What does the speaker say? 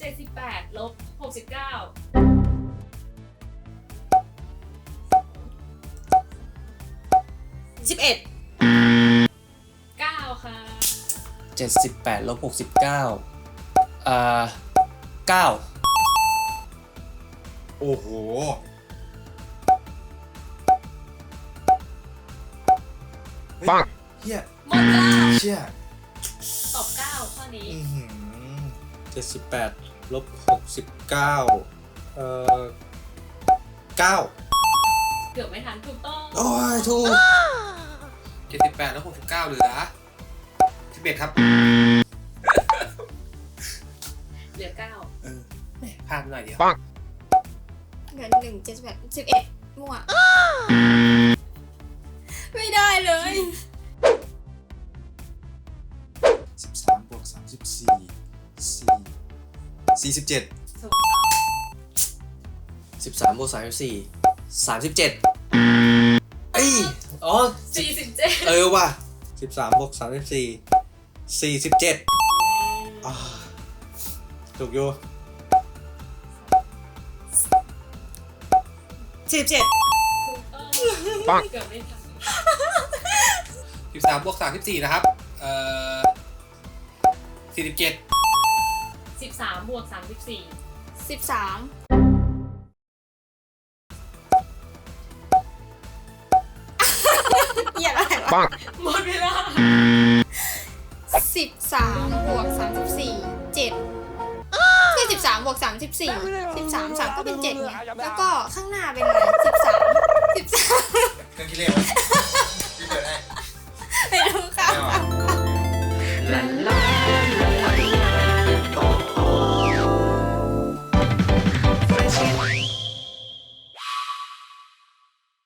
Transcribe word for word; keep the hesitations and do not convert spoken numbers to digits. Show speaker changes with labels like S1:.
S1: จ็ดสิบแปดลบหกสิบเก้า
S2: สิบเอ็ด
S1: เก้าค่ะ
S3: เจ็ดสิบแปดลบหกสิบเก้าอ่าเก้า
S4: โอ้โหปังเฮีย
S1: หมดเวลา
S4: เชี่ย
S1: ตอบเก้าข้อนี้
S4: เจ็ดสิบแปดลบหกสิบเก้าเอ่อเก้า
S1: เกือบไม่ทันถูกต้อง
S4: โอ้ยถูก
S5: เจ็ดสิบแปดแล้วหกสิบเก้าเหลือสิบเอ็ดครับ
S1: เหลือเก้า
S5: เออแหม่พลาดหน่อยเดียว
S2: เงินหนึ่งเจ็ดสิบแปดสิบเอ็ดมั่วไม่ได้เลย
S4: สิบสามบวกสามสิบสี่สี่สี่สิบเจ็ด
S1: ถูกต้อง
S3: สิบสามบวกสามสิบสี่สามสิบเจ็ดเอ้ยอ๋อ
S1: สี่สิบเจ็ด
S4: เออว่ะสิบสามบวกสามสิบสี่สี่สิบเจ็ดถูกอยู่
S2: สิบเจ็ด
S1: ถูกต้องเกือบไม่ทัน
S5: สิบสามบวกสามสิบสี่นะครับเอ่อสี่สิบเจ็ด
S1: สิบสามบวกสามสิบสี่
S2: สิบสามเหี้ยอะไรวะ
S1: หมดเวลา
S2: สิบสามบวกสามสิบสี่เจ็ดที่สิบสามบวกสามสิบสี่สิบสามสามก็เป็นเจ็ดไงแล้วก็ข้างหน้าเป็นอะไรสิบสามสิบสาม
S4: เครื่องคิดเลขพี่เปิดให้
S2: ไม่รู้ค่ะ
S4: ไม่เอา
S1: ลาลา